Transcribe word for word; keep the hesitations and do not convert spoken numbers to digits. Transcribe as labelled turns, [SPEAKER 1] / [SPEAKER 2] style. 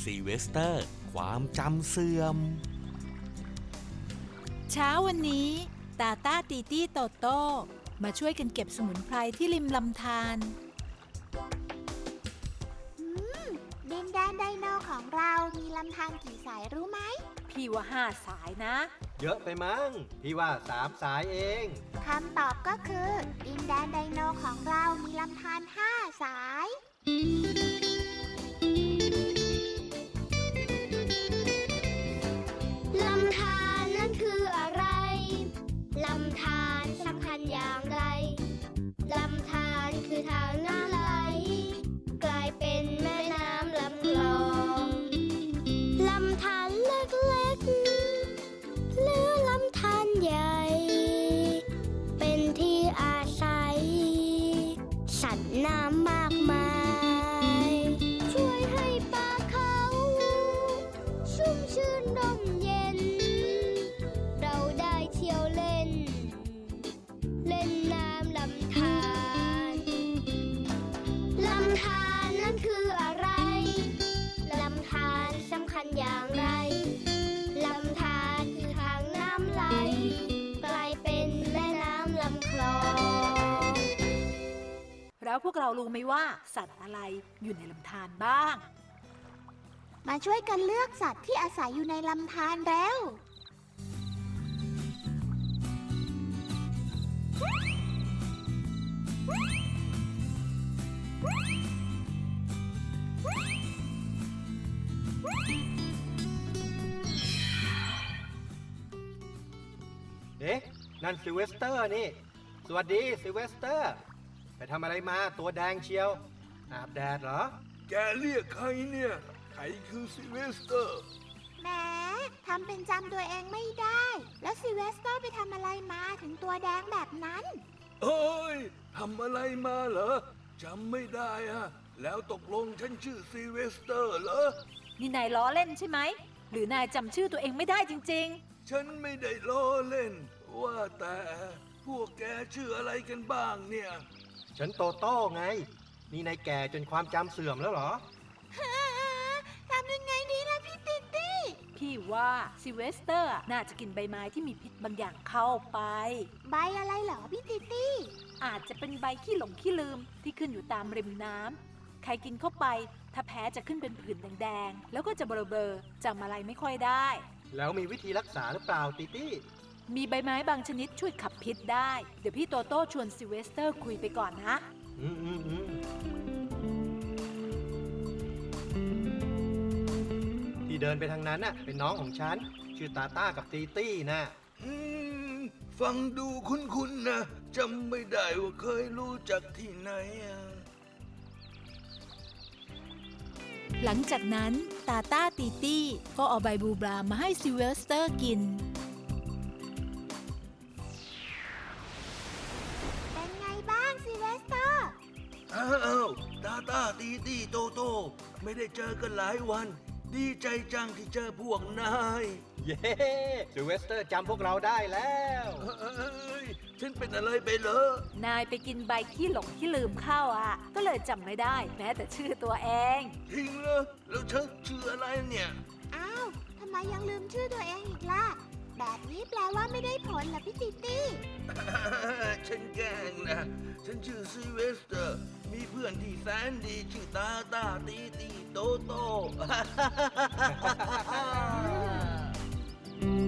[SPEAKER 1] ซีเวสเตอร์ความจำเสื่อม
[SPEAKER 2] เช้าวันนี้ตาต้าตีตี้โตโต้มาช่วยกันเก็บสมุนไพรที่ริมลำธาร
[SPEAKER 3] อืมดินแดนไดโนของเรามีลำธารกี่สายรู้ไหม
[SPEAKER 2] พี่ว่าห้าสายนะ
[SPEAKER 4] เยอะไปมั้งพี่ว่าสามสายเอง
[SPEAKER 3] คำตอบก็คือดินแดนไดโนของเรามีลำธารห้าสาย
[SPEAKER 5] ลำธารนั้นคืออะไรลำธารสำคัญอย่างไรลำธารคือทางน้ำไหลกลายเป็นแม่น้ำลำคลองลำธารเล็กๆหรือลำธารใหญ่เป็นที่อาศัยสัตว์น้ำมากมายช่วยให้ป่าเขาชุ่มชื่นร่มเย็นเราได้เที่ยวเล่นเล่นน้ำลำธารลำธารนั้นคืออะไรลำธารสำคัญอย่างไรลำธารคือทางน้ำไหลกลายเป็นแม่น้ำลำคลอง
[SPEAKER 2] แล้วพวกเรารู้ไหมว่าสัตว์อะไรอยู่ในลำธารบ้าง
[SPEAKER 3] มาช่วยกันเลือกสัตว์ที่อาศัยอยู่ในลำธารแล้ว
[SPEAKER 4] เอ๊ะนั่นซิลเวสเตอร์นี่สวัสดีซิลเวสเตอร์ไปทำอะไรมาตัวแดงเชียวอาบแดดเหรอ
[SPEAKER 6] แกเรียกใครเนี่ยใครคือซิลเวสเตอร์
[SPEAKER 3] แหมทำเป็นจำตัวเองไม่ได้แล้วซิลเวสเตอร์ไปทำอะไรมาถึงตัวแดงแบบนั้น
[SPEAKER 6] เอ้ยทำอะไรมาเหรอจำไม่ได้อะแล้วตกลงฉันชื่อซิลเวสเตอร์เหรอ
[SPEAKER 2] นี่นายล้อเล่นใช่ไหมหรือนายจำชื่อตัวเองไม่ได้จริง
[SPEAKER 6] ๆฉันไม่ได้ล้อเล่นว่าแต่พวกแกชื่ออะไรกันบ้างเนี่ย
[SPEAKER 4] ฉันโตโต้ไงนี่นายแก่จนความจำเสื่อมแล้วเหรอ
[SPEAKER 3] ทำยังไงดีล่ะพี่ติ๊ตี้
[SPEAKER 2] พี่ว่าซิเวสเตอร์น่าจะกินใบไม้ที่มีพิษบางอย่างเข้าไป
[SPEAKER 3] ใบอะไรเหรอพี่ติ๊ตี้
[SPEAKER 2] อาจจะเป็นใบขี้หลงขี้ลืมที่ขึ้นอยู่ตามริมน้ำใครกินเข้าไปถ้าแพ้จะขึ้นเป็นผื่นแดงๆแล้วก็จะเบลอๆจำอะไรไม่ค่อยได้
[SPEAKER 4] แล้วมีวิธีรักษาหรือเปล่าติ๊ตี้
[SPEAKER 2] มีใบไม้บางชนิดช่วยขับพิษได้เดี๋ยวพี่โตโต้ชวนซิเวสเตอร์คุยไปก่อนนะ
[SPEAKER 4] อืมอืมอืมที่เดินไปทางนั้นน่ะเป็นน้องของฉันชื่อตาต้ากับตีตี้นะ
[SPEAKER 6] อืมฟังดูคุ้นๆนะจำไม่ได้ว่าเคยรู้จักที่ไหนอ่ะ
[SPEAKER 2] หลังจากนั้นตาต้าตีตี้ก็เอาใบบูบรามาให้ซิเวสเตอร์กิน
[SPEAKER 3] เป็นไงบ้างซิเวสเตอร์
[SPEAKER 6] อ้าวตาตาตีตีโตโตไม่ได้เจอกันหลายวันดีใจจังที่เจอพวกนาย
[SPEAKER 4] เย้ซิลเวสเตอร์จำพวกเราได้แล้ว
[SPEAKER 6] เอ้ยฉันเป็นอะไรไปเหรอน
[SPEAKER 2] ายไปกินใบขี้หลงขี้ลืมเข้าอ่ะก็เลยจำไม่ได้แม้แต่ชื่อตัวเอง
[SPEAKER 6] จริงเหรอแล้วฉันชื่ออะไรเนี่ย
[SPEAKER 3] อ้าวทำไมยังลืมชื่อตัวเองอีกล่ะแบบนี้แปลว่าไม่ได้ผลเหรอพี่ติ๊ตี้
[SPEAKER 6] ฉันแกล้งนะฉันชื่อซิเวสเตอร์มีเพื่อนที่แสนดีชื่อตาตาตีตีโตโต